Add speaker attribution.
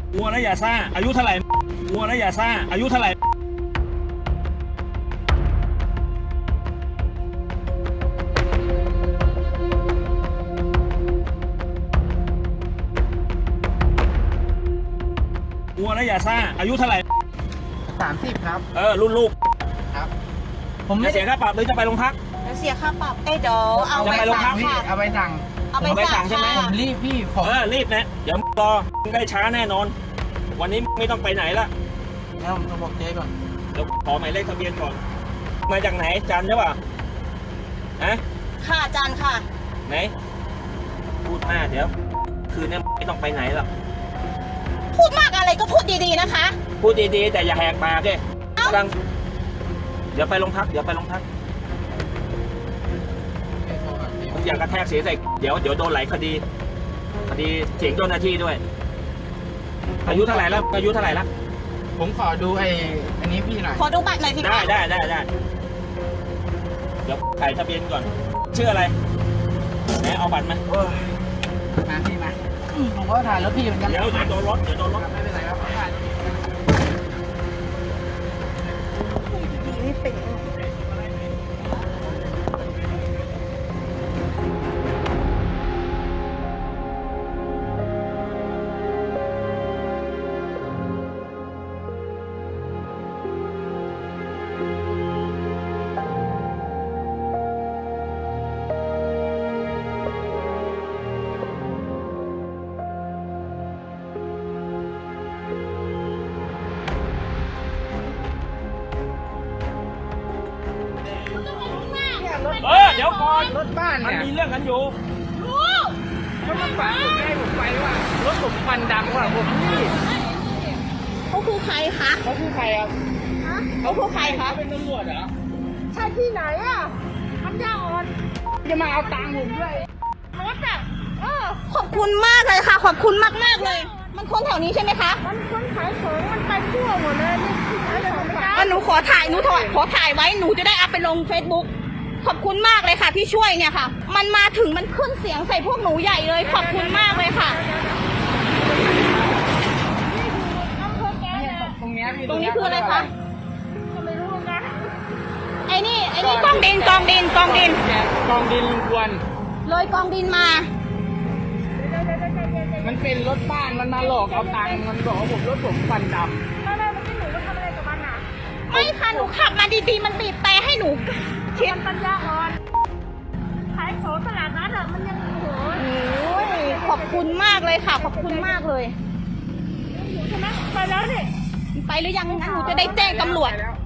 Speaker 1: วัวนะอย่าซ่าอายุเท่าไหร่วัวนะอย่าซ่าอายุเท่าไหร่วัวนะอย่าซ่าอายุเท่าไหร่
Speaker 2: 30ครับ
Speaker 1: รุ่นลูก
Speaker 2: ครับ
Speaker 1: ผมจะเสียค่าปรับหรือจะไปโรงพัก
Speaker 3: เสียค่าปรับเดี๋ยวเอาไปสั่งค่ะ
Speaker 2: เอาไปสั่ง
Speaker 3: เอาไปสั่งใช่ไหม
Speaker 2: ผมรีบพี่
Speaker 1: รีบนะเดี๋ยวรอได้ช้าแน่นอนวันนี้ไม่ต้องไปไหนละ
Speaker 2: แล้วผมบอกเจ๊ก่อน
Speaker 1: เดี๋ยวขอหมายเลขทะเบียนก่อนมาจากไหนจันใช่ป่ะ
Speaker 3: ค่ะจันค่ะ
Speaker 1: ไหนพูดมากเดี๋ยวคืนนี้ไม่ต้องไปไหนหรอก
Speaker 3: พูดมากอะไรก็พูดดีๆนะคะ
Speaker 1: พูดดีๆแต่อย่าแหกปากเลยกำลังเดี๋ยวไปโรงพักมึงอย่ากระแทกเสียใส่เดี๋ยวโดนหลายคดีเสียงเจ้าหน้าที่ด้วยอายุเท่าไหร่แล้ว
Speaker 2: ผมขอดูอันนี้พี่หน่อย
Speaker 3: ขอดูบัตรหน่อยสิ
Speaker 1: ได้เดี๋ยวถ่ายทะเบียนก่อนชื่ออะไรไหนเอาบัตรมา
Speaker 2: พี่มาผมก็ถ่ายรถพี่เหมือนกัน
Speaker 1: เดี๋ยวโดนรถ
Speaker 2: ไม่เป็นไรครับถ่าย
Speaker 3: นี่เป็น
Speaker 1: เดี๋ยวก่อน
Speaker 2: รถบ้าน
Speaker 1: มัน
Speaker 2: เนี่ย
Speaker 1: มีเรื่องกันอยู่
Speaker 2: เขามาฝากผมให้ผมไปว่ารถผมควันดำว่ะผมนี่
Speaker 3: เขาคือใครคะ
Speaker 2: เขาคือใครครับ
Speaker 3: เขาคือใครคะ
Speaker 1: เป็นตำรวจเหรอ
Speaker 3: ใช่ที่ไหนอ่ะมันยาอ่อน
Speaker 2: จะมาเอาตังค์ผมด้วย
Speaker 3: รถอ่ะขอบคุณมากเลยค่ะขอบคุณมากเลย มันคนแถวนี้ใช่ไหมคะ
Speaker 4: มันคนขายของมันไปทั่วหมดเลยนี่ขายของไม่ได้
Speaker 3: หนูขอถ่ายไว้หนูจะได้อัพไปลง Facebook ขอบคุณมากเลยค่ะที่ช่วยเนี่ยค่ะมันมาถึงมันขึ้นเสียงใส่พวกหนูใหญ่เลยขอบคุณมากเลยค่ะ
Speaker 2: ตรง
Speaker 3: นี้คืออะไรคะ
Speaker 4: ไม่รู้นะ
Speaker 3: ไอ้นี่กองดิน
Speaker 2: กองดินควร
Speaker 3: เลยกองดินมา
Speaker 2: มันเป็นรถบ้านมันมาหลอกเอาตังค์มันบอกว่าผมรถผมควันดำ
Speaker 4: แล้วเมื่อกี้หนูมาทำอะไรกับมันอ่ะ
Speaker 3: ไม่ค่ะหนูขับมาดีๆมันบีบแต่ให้หนู
Speaker 4: เทียนปัญญาอ่อนขายของตลาดนัดอ่ะมันยัง
Speaker 3: โอ้ยขอบคุณมากเลยค่ะขอบคุณมากเลย
Speaker 4: ใช่ไหมไปแล้วนี่
Speaker 3: ไปหรือยังงั้นหนูจะได้แจ้งตำรวจ